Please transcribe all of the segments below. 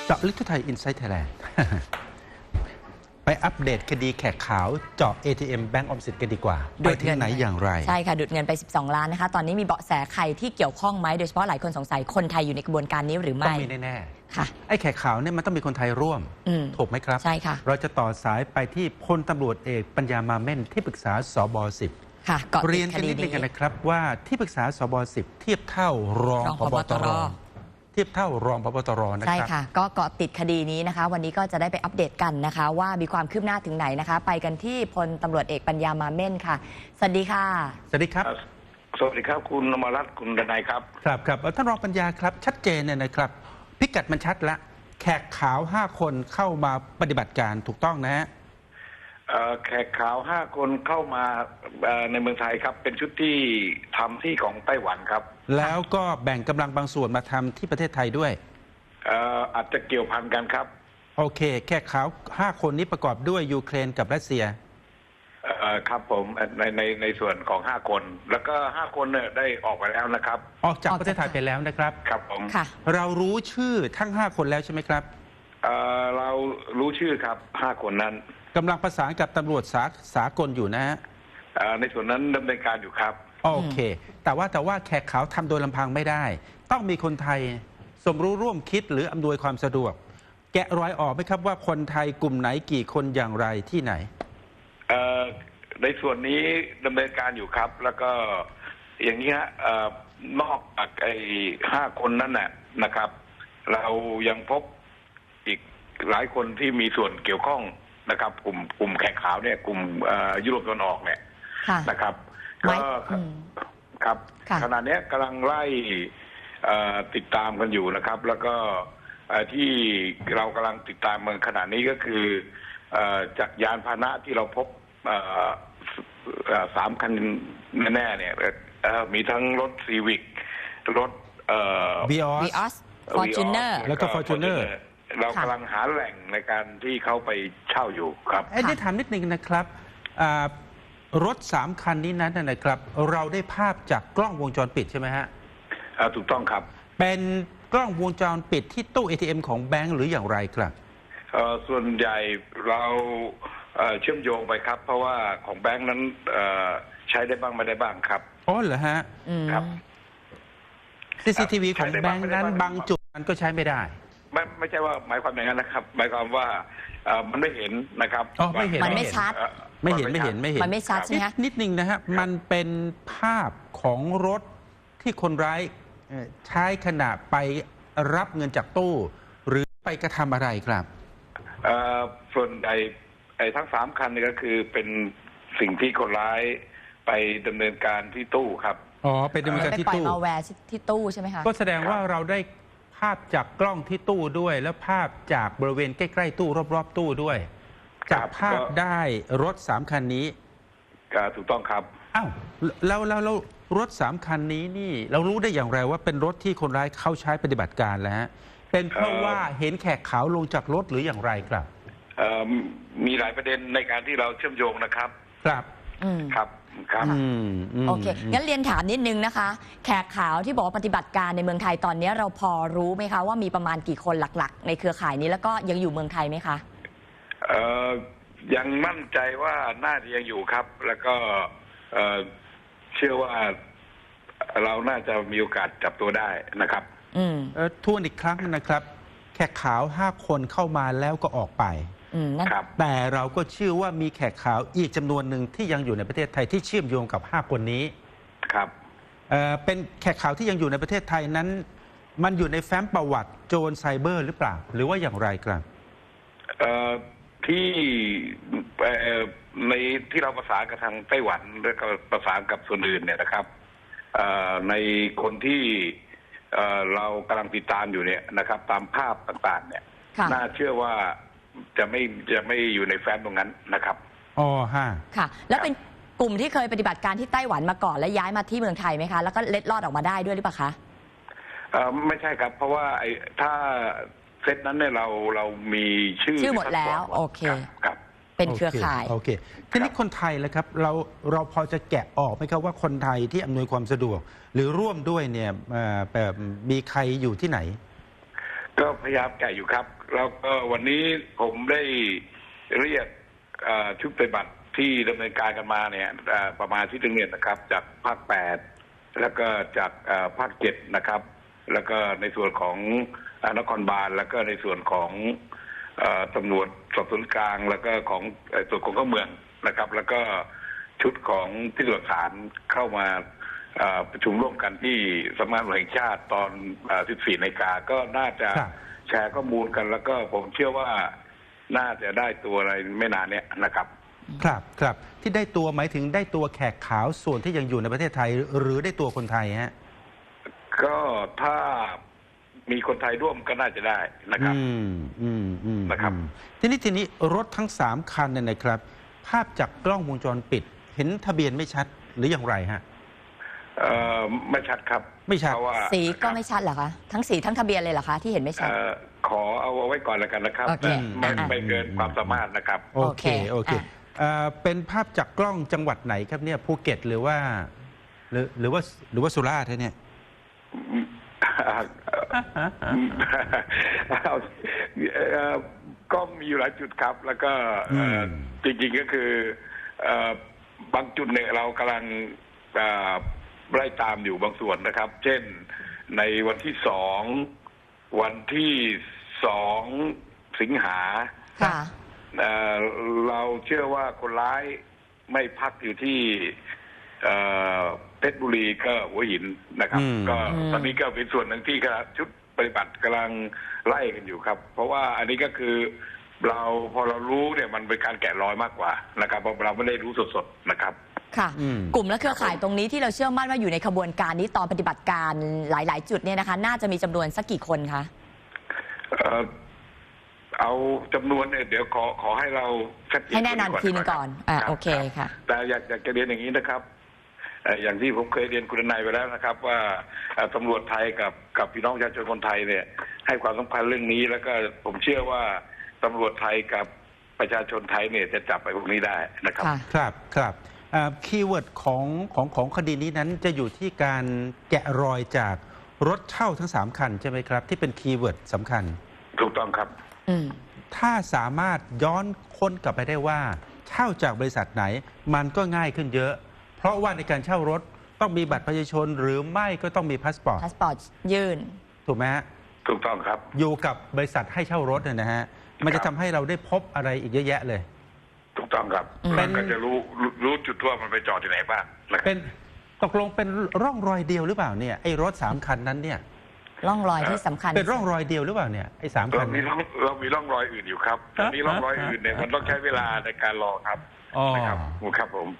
เจาะลึกทั่วไทย Inside Thailand ไปอัปเดตคดีแขกขาวเจาะ ATM แบงก์ออมสินกันดีกว่าไปที่ไหนอย่างไรใช่ค่ะดูดเงินไป12 ล้านนะคะตอนนี้มีเบาะแสใครที่เกี่ยวข้องไหมโดยเฉพาะหลายคนสงสัยคนไทยอยู่ในกระบวนการนี้หรือไม่ต้องมีแน่ๆค่ะไอ้แขกขาวเนี่ยมันต้องมีคนไทยร่วมถูกไหมครับใช่ค่ะเราจะต่อสายไปที่พลตำรวจเอกปัญญามาเม่นที่ปรึกษาสบ10 ค่ะเรียนกันนิดนึงกันนะครับว่าที่ปรึกษาสบ10เทียบเท่ารองผบตรเทียบเท่ารองผบตรนะครับใช่ค่ะก็เกาะติดคดีนี้นะคะวันนี้ก็จะได้ไปอัปเดตกันนะคะว่ามีความคืบหน้าถึงไหนนะคะไปกันที่พลตำรวจเอกปัญญามาเม่นค่ะสวัสดีค่ะสวัสดีครับสวัสดีครับคุณอมรรัตน์คุณดนัยครับครับท่านรองปัญญาครับชัดเจนเนี่ยนะครับพิกัดมันชัดละแขกขาว5คนเข้ามาปฏิบัติการถูกต้องนะฮะแขกขาว5คนเข้ามาในเมืองไทยครับเป็นชุดที่ทำที่ของไต้หวันครับแล้วก็แบ่งกำลังบางส่วนมาทำที่ประเทศไทยด้วยอาจจะเกี่ยวพันกันครับโอเคแขกขาว5คนนี้ประกอบด้วยยูเครนกับรัสเซียครับผมในส่วนของ5คนแล้วก็5คนเนี่ยได้ออกไปแล้วนะครับออกจากประเทศไทยไปแล้วนะครับครับผมเรารู้ชื่อทั้ง5คนแล้วใช่ไหมครับเรารู้ชื่อครับ5คนนั้นกำลังประสานกับตำรวจสากลอยู่นะฮะในส่วนนั้นดำเนินการอยู่ครับโอเคแต่ว่าแขกขาวทำโดยลำพังไม่ได้ต้องมีคนไทยสมรู้ร่วมคิดหรืออำนวยความสะดวกแกะรอยออกไหมครับว่าคนไทยกลุ่มไหนกี่คนอย่างไรที่ไหนในส่วนนี้ดำเนินการอยู่ครับแล้วก็อย่างนี้ฮะนอกจากไอ้5คนนั้นนะครับเรายังพบอีกหลายคนที่มีส่วนเกี่ยวข้องนะครับกลุ่มแขกขาวเนี่ยกลุ่มยุโรปตะวันออกเนี่ยนะครับก็ครับขณะนี้กำลังไล่ติดตามกันอยู่นะครับแล้วก็ที่เรากำลังติดตามมันขณะนี้ก็คือจากยานพาหนะที่เราพบ3 คันแน่ๆเนี่ยมีทั้งรถซีวิกรถวีออสฟอร์จูเนอร์แล้วก็ฟอร์จูเนอร์เรากำลังหาแหล่งในการที่เขาไปเช่าอยู่ครับได้ถามนิดนึงนะครับรถ3 คันนี้นั้นนะครับเราได้ภาพจากกล้องวงจรปิดใช่ไหมฮะถูกต้องครับเป็นกล้องวงจรปิดที่ตู้ ATM ของแบงก์หรืออย่างไรครับส่วนใหญ่เราเชื่อมโยงไปครับเพราะว่าของแบงก์นั้นใช้ได้บ้างไม่ได้บ้างครับอ๋อเหรอฮะครับ CCTV ของแบงก์นั้นบางจุดมันก็ใช้ไม่ได้ไม่ใช่ว่าหมายความอย่างนั้นนะครับหมายความว่ามันไม่เห็นนะครับไม่เห็นมันไม่ชัดไม่เห็นมันไม่ชัดใช่ไหมนิดนึงนะฮะมันเป็นภาพของรถที่คนร้ายใช้ขณะไปรับเงินจากตู้หรือไปกระทำอะไรครับส่วนไอ้ทั้ง3 คันนี่ก็คือเป็นสิ่งที่คนร้ายไปดำเนินการที่ตู้ครับไปดำเนินการที่ตู้ไปปล่อยมาแวร์ที่ตู้ใช่ไหมคะก็แสดงว่าเราได้ภาพจากกล้องที่ตู้ด้วยแล้วภาพจากบริเวณใกล้ๆตู้รอบๆตู้ด้วยจากภาพได้รถ3 คันนี้ถูกต้องครับอ้าวแล้วรถ3 คันนี้นี่เรารู้ได้อย่างไรว่าเป็นรถที่คนร้ายเข้าใช้ปฏิบัติการแล้วฮะเป็นเพราะว่าเห็นแขกขาวลงจากรถหรืออย่างไรครับมีหลายประเด็นในการที่เราเชื่อมโยงนะครับครับครับโอเคงั้นเรียนถามนิดนึงนะคะแขกขาวที่บอกว่าปฏิบัติการในเมืองไทยตอนนี้เราพอรู้ไหมคะว่ามีประมาณกี่คนหลักๆในเครือข่ายนี้แล้วก็ยังอยู่เมืองไทยไหมคะยังมั่นใจว่าน่าจะยังอยู่ครับแล้วก็เชื่อว่าเราน่าจะมีโอกาสจับตัวได้นะครับทวนอีกครั้งนะครับแขกขาว5 คนเข้ามาแล้วก็ออกไปแต่เราก็เชื่อว่ามีแขกขาวอีกจำนวนหนึ่งที่ยังอยู่ในประเทศไทยที่เชื่อมโยงกับ5 คนนี้ครับเป็นแขกขาวที่ยังอยู่ในประเทศไทยนั้นมันอยู่ในแฟ้มประวัติโจรไซเบอร์หรือเปล่าหรือว่าอย่างไรครับที่ในที่เราประสานกับทางไต้หวันแล้วก็ประสานกับส่วนอื่นเนี่ยนะครับในคนที่เรากำลังติดตามอยู่เนี่ยนะครับตามภาพต่างๆเนี่ยน่าเชื่อว่าจะไม่อยู่ในแฟ้มตรงนั้นนะครับค่ะแล้วเป็นกลุ่มที่เคยปฏิบัติการที่ไต้หวันมาก่อนแล้วย้ายมาที่เมืองไทยไหมคะแล้วก็เล็ดลอดออกมาได้ด้วยหรือเปล่าคะไม่ใช่ครับเพราะว่าถ้าเซตนั้นเนี่ยเรามีชื่อหมดแล้วโอเคครับเป็นเครือข่ายโอเคทีนี้คนไทยแล้วครับเราพอจะแกะออกไหมครับว่าคนไทยที่อำนวยความสะดวกหรือร่วมด้วยเนี่ยมีใครอยู่ที่ไหนก็พยายามแกะอยู่ครับแล้วก็วันนี้ผมได้เรียกชุดปฏิบัติที่ดำเนินการกันมาเนี่ยประมาณที่1 เดือนนะครับ จากภาค8แล้วก็จากภาค7นะครับแล้วก็ในส่วนของนครบาลแล้วก็ในส่วนของตำรวจสอบสวนกลางแล้วก็ของส่วนของเข้าเมืองนะครับ แล้วก็ชุดของพิสูจน์หลักฐานเข้ามาประชุมร่วมกันที่สำนักงานตำรวจแห่งชาติตอน 14 นาฬิกาก็น่าจะแชร์ข้อมูลกันแล้วก็ผมเชื่อว่าน่าจะได้ตัวอะไรไม่นานเนี้ยนะครับครับที่ได้ตัวหมายถึงได้ตัวแขกขาวส่วนที่ยังอยู่ในประเทศไทยหรือได้ตัวคนไทยฮะก็ถ้ามีคนไทยร่วมก็น่าจะได้นะครับนะครับทีนี้รถทั้ง3 คันเนี่ยนะครับภาพจากกล้องวงจรปิดเห็นทะเบียนไม่ชัดหรืออย่างไรฮะไม่ชัดครับไม่ชัดสีก็ไม่ชัดเหรอคะทั้งสีทั้งทะเบียนเลยเหรอคะที่เห็นไม่ชัดขอเอาไว้ก่อนแล้วกันนะครับไม่เกินความสามารถนะครับโอเคเป็นภาพจากกล้องจังหวัดไหนครับเนี่ยภูเก็ตหรือว่าสุราษฎร์เนี่ยก็มีอยู่หลายจุดครับแล้วก็จริงๆก็คือบางจุดเนี่ยเรากำลังไล่ตามอยู่บางส่วนนะครับ เช่นในวันที่2 สิงหาเราเชื่อว่าคนร้ายไม่พักอยู่ที่เพชรบุรีก็หัวหินนะครับก็ตอนนี้ก็เป็นส่วนหนึ่งที่ชุดปฏิบัติกำลังไล่กันอยู่ครับเพราะว่าอันนี้ก็คือพอเรารู้เนี่ยมันเป็นการแกะรอยมากกว่านะครับเพราะเราไม่ได้รู้สดๆนะครับค่ะกลุ่มและเครือข่ายตรงนี้ที่เราเชื่อมั่นว่าอยู่ในขบวนการนี้ตอนปฏิบัติการหลายๆจุดเนี่ยนะคะน่าจะมีจำนวนสักกี่คนคะเอาจำนวนเนี่ยเดี๋ยวขอให้เราให้แน่นอนทีนึงก่อนโอเคค่ะแต่อยากจะเรียนอย่างนี้นะครับอย่างที่ผมเคยเรียนคุณนายไปแล้วนะครับว่าตำรวจไทยกับพี่น้องประชาชนคนไทยเนี่ยให้ความสำคัญเรื่องนี้แล้วก็ผมเชื่อว่าตำรวจไทยกับประชาชนไทยเนี่ยจะจับไปพวกนี้ได้นะครับครับคีย์เวิร์ดของคดีนี้นั้นจะอยู่ที่การแกะรอยจากรถเช่าทั้ง3 คันใช่ไหมครับที่เป็นคีย์เวิร์ดสำคัญถูกต้องครับถ้าสามารถย้อนค้นกลับไปได้ว่าเช่าจากบริษัทไหนมันก็ง่ายขึ้นเยอะเพราะว่าในการเช่ารถต้องมีบัตรประชาชนหรือไม่ก็ต้องมีพาสปอร์ตยื่นถูกไหมฮะถูกต้องครับอยู่กับบริษัทให้เช่ารถนะฮะมันจะทำให้เราได้พบอะไรอีกเยอะแยะเลยถูกต้องครับมันก็จะรู้จุดว่ามันไปจอดที่ไหนบ้างเป็นตกลงเป็นร่องรอยเดียวหรือเปล่าเนี่ยไอ้รถ3 คันนั้นเนี่ยร่องรอยที่สำคัญเป็นร่องรอยเดียวหรือเปล่าเนี่ยไอ้3 คันเรามีร่องรอยอื่นอยู่ครับมีร่องรอยอื่นเนี่ยมันต้องใช้เวลาในการรอครับครับผม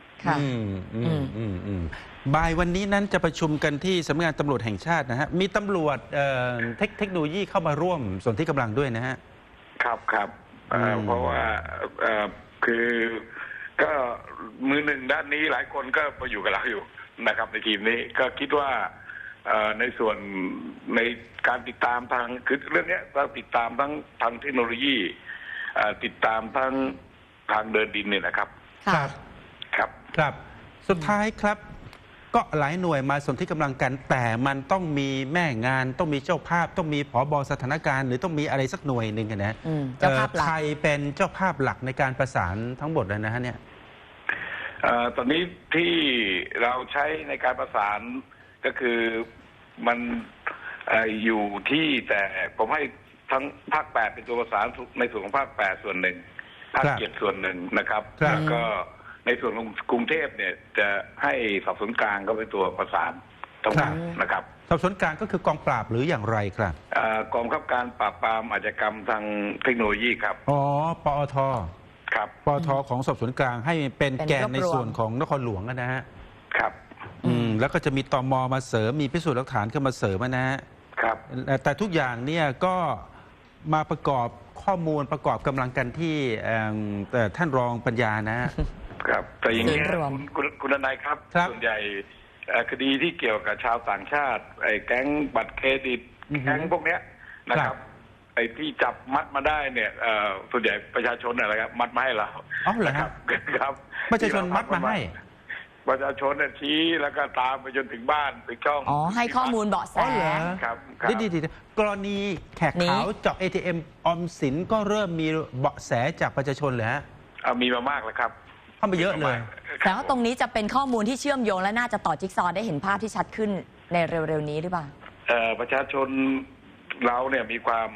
บ่ายวันนี้นั้นจะประชุมกันที่สำนักงานตำรวจแห่งชาตินะฮะมีตำรวจเทคโนโลยีเข้ามาร่วมส่วนที่กำลังด้วยนะฮะครับเพราะว่าคือก็มือหนึ่งด้านนี้หลายคนก็มาอยู่กับเราอยู่นะครับในทีมนี้ก็คิดว่าในส่วนในการติดตามทางคือเรื่องนี้เราติดตามทั้งทางเทคโนโลยีติดตามทั้งทางเดินดินเนี่ยนะครับครับสุดท้ายครับก็หลายหน่วยมาสนที่กำลังกันแต่มันต้องมีแม่งานต้องมีเจ้าภาพต้องมีผบ.สถานการณ์หรือต้องมีอะไรสักหน่วยหนึ่งนะใครเป็นเจ้าภาพหลักในการประสานทั้งหมดเลยนะฮะเนี่ยตอนนี้ที่เราใช้ในการประสานก็คือมันอยู่ที่แต่ผมให้ทั้งภาค8เป็นตัวประสานในส่วนของภาค8ส่วนหนึ่งภาค7ส่วนหนึ่งนะครับแล้วก็ในส่วนของกรุงเทพเนี่ยจะให้สอบสวนกลางก็เป็นตัวประสานทั้งหมดนะครับสอบสวนกลางก็คือกองปราบหรืออย่างไรครับกองบังคับการปราบปรามอาชญากรรมทางเทคโนโลยีครับปอทครับปอทของสอบสวนกลางให้เป็นแกนในส่วนของนครหลวงนะฮะครับแล้วก็จะมีตม.มาเสริมมีพิสูจน์หลักฐานเข้ามาเสริมนะฮะครับแต่ทุกอย่างเนี่ยก็มาประกอบข้อมูลประกอบกำลังกันที่ท่านรองปัญญานะครับแต่อย่างนี้คุณนายครับส่วนใหญ่คดีที่เกี่ยวกับชาวต่างชาติไอ้แก๊งบัตรเครดิตแก๊งพวกเนี้ยนะครับไอ้ที่จับมัดมาได้เนี่ยส่วนใหญ่ประชาชนอะไรครับมัดมาให้เราเหรอครับครับประชาชนมัดมาให้ประชาชนเนี่ยชี้แล้วก็ตามไปจนถึงบ้านถึงช่องอ๋อให้ข้อมูลเบาะแสอ๋อเหรอครับดีกรณีแขกขาวเจาะ ATM ออมสินก็เริ่มมีเบาะแสจากประชาชนเลยฮะมีมามากแล้วครับเข้ามาเยอะเลยแต่ว่าตรงนี้จะเป็นข้อมูลที่เชื่อมโยงและน่าจะต่อจิ๊กซอว์ได้เห็นภาพที่ชัดขึ้นในเร็วๆนี้หรือเปล่าประชาชนเราเนี่ยมีความ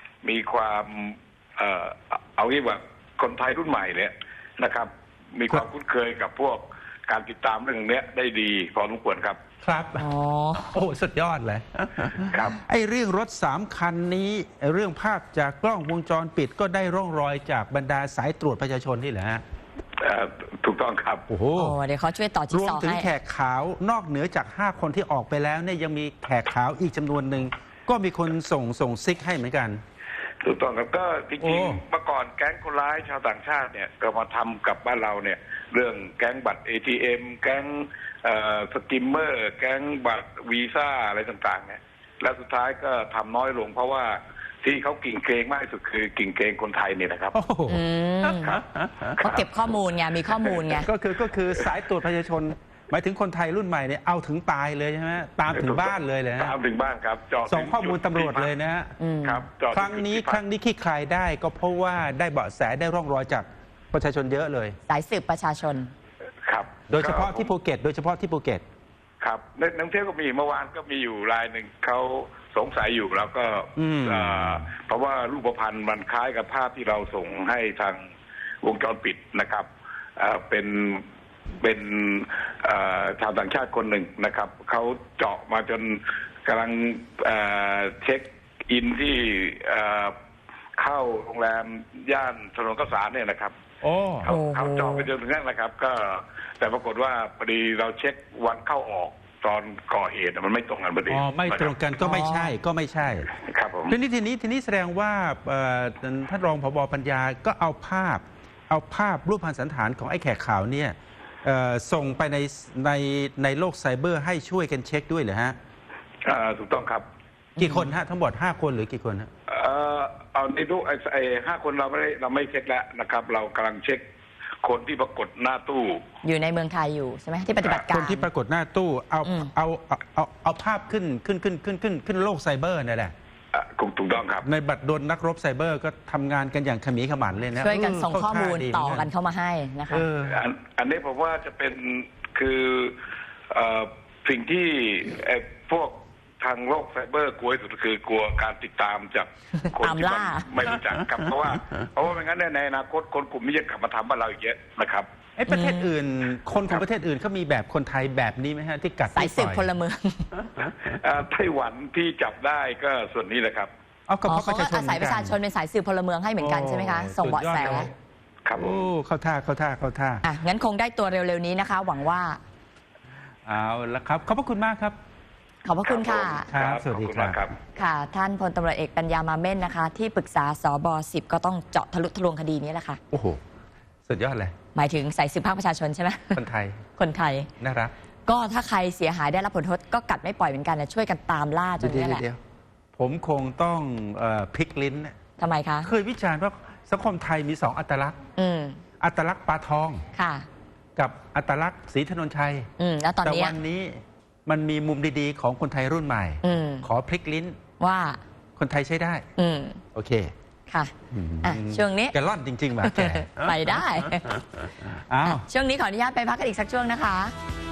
เอางี้ว่าคนไทยรุ่นใหม่เนี่ยนะครับ มีความคุ้นเคยกับพวกการติดตามเรื่องนี้ได้ดีพอสมควรครับครับอ๋อโอ้สุดยอดเลยครับไอ้เรื่องรถ3 คันนี้เรื่องภาพจากกล้องวงจรปิดก็ได้ร่องรอยจากบรรดาสายตรวจประชาชนนี่แหละฮะถูกต้องครับโอ้โหโอ้เดี๋ยวเขาช่วยต่อจิ๊รกวมซอว์ถึงให้แขกขาวนอกเหนือจาก5 คนที่ออกไปแล้วเนี่ยยังมีแขกขาวอีกจำนวนหนึ่งก็มีคนส่งซิกให้เหมือนกันถูกต้องครับก็จโอ้ริงๆเมื่อก่อนแก๊งคนร้ายชาวต่างชาติเนี่ยก็มาทำกับบ้านเราเนี่ยเรื่องแก๊งบัตร ATM แก๊งสกิมเมอร์แก๊งบัตรวีซ่าอะไรต่างๆเนี่ยแล้วสุดท้ายก็ทำน้อยลงเพราะว่าที่เขากิ่งเกรงมากที่สุดคือกิ่งเกรงคนไทยเนี่ยนะครับโอ้โหครับเขาเก็บข้อมูลไงมีข้อมูลไงก็คือสายตรวจประชาชน หมายถึงคนไทยรุ่นใหม่เนี่ยเอาถึงตายเลยใช่ไหมตามถึงบ้านเลยเลยฮะตามถึงบ้านครับจอดส่งข้อมูลตำรวจเลยนะฮะครับจอดครั้งนี้ขี้คลายได้ก็เพราะว่าได้เบาะแสได้ร่องรอยจากประชาชนเยอะเลยสายสืบประชาชนครับโดยเฉพาะที่ภูเก็ตครับในนักเที่ยวก็มีเมื่อวานก็มีอยู่รายหนึ่งเขาสงสัยอยู่แล้วก็เพราะว่ารูปพรรณมันคล้ายกับภาพที่เราส่งให้ทางวงจรปิดนะครับเป็นชาวต่างชาติคนหนึ่งนะครับเขาเจาะมาจนกำลังเช็คอินที่เข้าโรงแรมย่านถนนข้าวสารเนี่ยนะครับโอ้เขาเจาะไปจนถึงนั่นนะครับ ก็แต่ปรากฏว่าพอดีเราเช็ควันเข้าออกตอนก่อเหตุมันไม่ตรงกันพอดีอ๋อไม่ตรงกันก็ไม่ใช่ครับผมทีนี้แสดงว่าท่านรองผบ.ปัญญาก็เอาภาพรูปพรรณสันฐานของไอ้แขกขาวเนี่ยส่งไปในโลกไซเบอร์ให้ช่วยกันเช็คด้วยเหรอฮะถูกต้องครับกี่คนฮะทั้งหมด5 คนหรือกี่คนฮะเอาในรูปไอ้5 คนเราไม่เช็คแล้วนะครับ เรากำลังเช็คคนที่ปรากฏหน้าตู้อยู่ในเมืองไทยอยู่ใช่ไหมที่ปฏิบัติการคนที่ปรากฏหน้าตู้เอาภาพขึ้นโลกไซเบอร์นั่นแหละถูกต้องครับในบัตรดลนักรบไซเบอร์ก็ทำงานกันอย่างขมีขมันเลยนะช่วยกันส่งข้อมูลต่อกันเข้ามาให้นะคะอันนี้ผมว่าจะเป็นคือสิ่งที่พวกทางโลกไซเบอร์กลัวที่สุดคือกลัวการติดตามจากคนที่ไม่รู้จักครับเพราะว่าไม่งั้นในอนาคตคนกลุ่มนี้จะกลับมาทำบ้านเราอีกเยอะนะครับประเทศอื่นคนของประเทศอื่นเขามีแบบคนไทยแบบนี้ไหมฮะที่กัดสายสืบพลเมืองไต้หวันที่จับได้ก็ส่วนนี้แหละครับเขาก็อาศัยประชาชนเป็นสายสืบพลเมืองให้เหมือนกันใช่ไหมคะส่งเบาะแสครับโอ้เข้าท่างั้นคงได้ตัวเร็วๆนี้นะคะ หวังว่าเอาละครับขอบพระคุณมากครับขอบพระคุณค่ะครับสวัสดีครับค่ะท่านพลตำรวจเอกปัญญามาเม่นนะคะที่ปรึกษาสบ10ก็ต้องเจาะทะลุทะลวงคดีนี้แหละค่ะโอ้โหสุดยอดเลยหมายถึงสายสืบภาคประชาชนใช่ไหมคนไทยน่ารักก็ถ้าใครเสียหายได้รับผลกระทบก็กัดไม่ปล่อยเหมือนกันนะช่วยกันตามล่าจนนี่แหละผมคงต้องพลิกลิ้นทำไมคะเคยวิจารณ์ว่าสังคมไทยมี2 อัตลักษณ์อัตลักษณ์ปลาทองค่ะกับอัตลักษณ์ศรีถนนชัยแล้วตอนนี้แต่วันนี้มันมีมุมดีๆของคนไทยรุ่นใหม่ขอพลิกลิ้นว่าคนไทยใช้ได้โอเคค่ะช่วงนี้แกล่อนจริงๆมาแกไปได้ช่วงนี้ขออนุญาตไปพักกันอีกสักช่วงนะคะ